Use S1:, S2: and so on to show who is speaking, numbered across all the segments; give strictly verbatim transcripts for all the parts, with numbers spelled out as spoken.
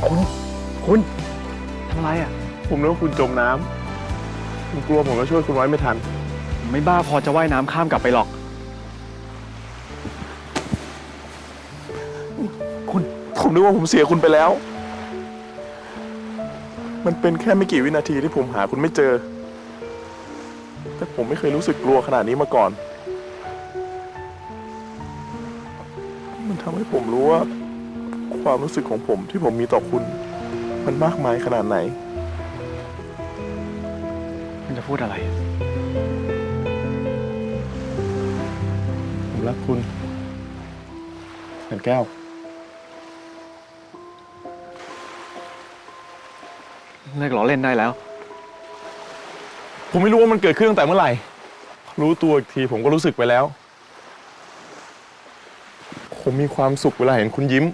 S1: คุณคุณทำอะไรอ่ะ
S2: ผมนึกว่าคุณจมน้ำผมกลัวผมจะช่วยคุณไว้ไม่ทัน
S1: ผมไม่บ้าพอจะว่ายน้ำข้ามกลับไปหรอกคุณ
S2: ผมนึกว่าผมเสียคุณไปแล้วมันเป็นแค่ไม่กี่วินาทีที่ผมหาคุณไม่เจอแต่ผมไม่เคยรู้สึกกลัวขนาดนี้มาก่อนมันทำให้ผมรู้ว่าความรู้สึกของผมที่ผมมีต่อคุณมันมากมายขนาดไหน
S1: มันจะพูดอะไร
S2: ผมรักคุณแสนแก้ว
S1: เลิกล้อเล่นได้แล้ว
S2: ผมไม่รู้ว่ามันเกิดขึ้นตั้งแต่เมื่อไหร่รู้ตัวอีกทีผมก็รู้สึกไปแล้วผมมีความสุขเวลาเห็นคุณยิ้ม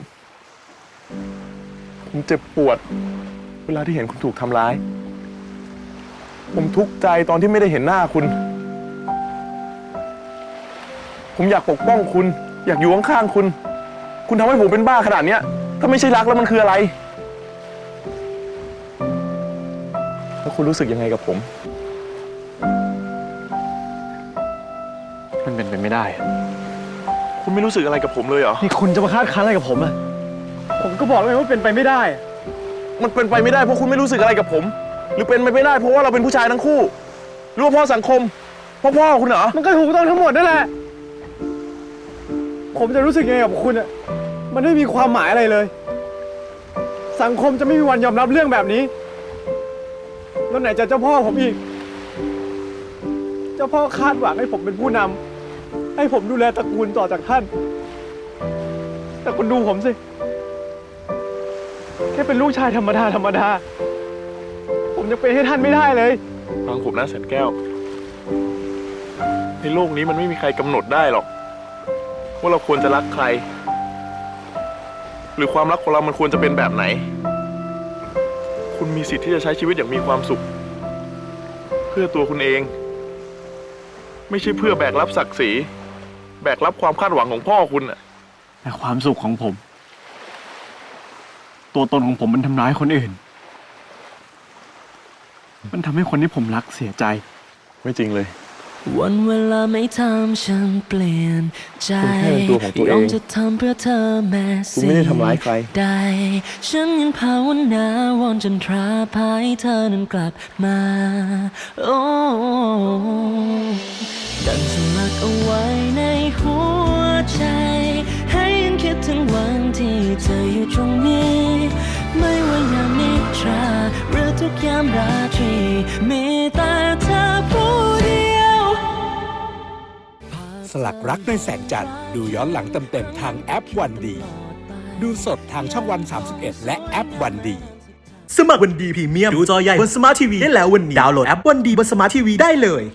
S2: ผมเจ็บปวดเวลาที่เห็นคุณถูกทำร้ายผมทุกข์ใจตอนที่ไม่ได้เห็นหน้าคุณผมอยากปกป้องคุณอยากอยู่ข้างๆคุณคุณทำให้ผมเป็นบ้าขนาดนี้ถ้าไม่ใช่รักแล้วมันคืออะไรแล้วคุณรู้สึกยังไงกับผม
S1: มันเป็นไปไม่ได้
S2: คุณไม่รู้สึกอะไรกับผมเลยเหรอ
S1: นี่คุณจะมาคาดคั้นอะไรกับผมอ่ะผมก็บอกเลยว่าเป็นไปไม่ได้
S2: มันเป็นไปไม่ได้เพราะคุณไม่รู้สึกอะไรกับผมหรือเป็นไปไม่ได้เพราะว่าเราเป็นผู้ชายทั้งคู่หรือว่าพ่อสังคมพ่อพ่อคุณเหรอ
S1: มันก็ถูกต้องทั้งหมดนั่นแหละผมจะรู้สึกยังไงกับคุณอ่ะมันไม่มีความหมายอะไรเลยสังคมจะไม่มีวันยอมรับเรื่องแบบนี้แล้วไหนจะเจ้าพ่อผมอีกเจ้าพ่อคาดหวังให้ผมเป็นผู้นำให้ผมดูแลตระกูลต่อจากท่านแต่คุณดูผมสิแค่เป็นลูกชายธรรมดาธรรมดาผมยังเป็นให้ท่านไม่ได้เลย
S2: ฟังผมนะแสนแก้วในโลกนี้มันไม่มีใครกำหนดได้หรอกว่าเราควรจะรักใครหรือความรักของเรามันควรจะเป็นแบบไหนคุณมีสิทธิ์ที่จะใช้ชีวิตอย่างมีความสุขเพื่อตัวคุณเองไม่ใช่เพื่อแบกรับศักดิ์ศรีแบกรับความคาดหวังของพ่อคุณน่ะ
S1: แต่ความสุขของผมตัวตนของผมมันทำร้ายคนอื่นมันทำให้คนที่ผมรักเสียใจ
S2: ไม่จริงเลย
S3: วันเวลาไม่ทำฉันเปลี่ยนใจยอมจะทำเพื่อเธอแม้สิ่งใดฉันยังภาวนาวอนจนตราภายเธอนั้นกลับมาโอ้ดันสลักเอาไว้ในหัวใจให้ยังคิดถึงวันที่เธออยู่ตรงนี้ไม่ว่ายามนิทราหรือทุกยามราตรีมีแต่เธอผู้เดียว
S4: สลักรักในแสงจันทร์ดูย้อนหลังเต็มๆทางแอปวันดีดูสดทางช่องวันสามสิบเอ็ดและแอปวันดี
S5: สมัครวันดีพรีเมียมดูจอใหญ่บนสมาร์ททีวีได้แล้ววันนี้ดาวน์โหลดแอปวันดีบนสมาร์ททีวีได้เลย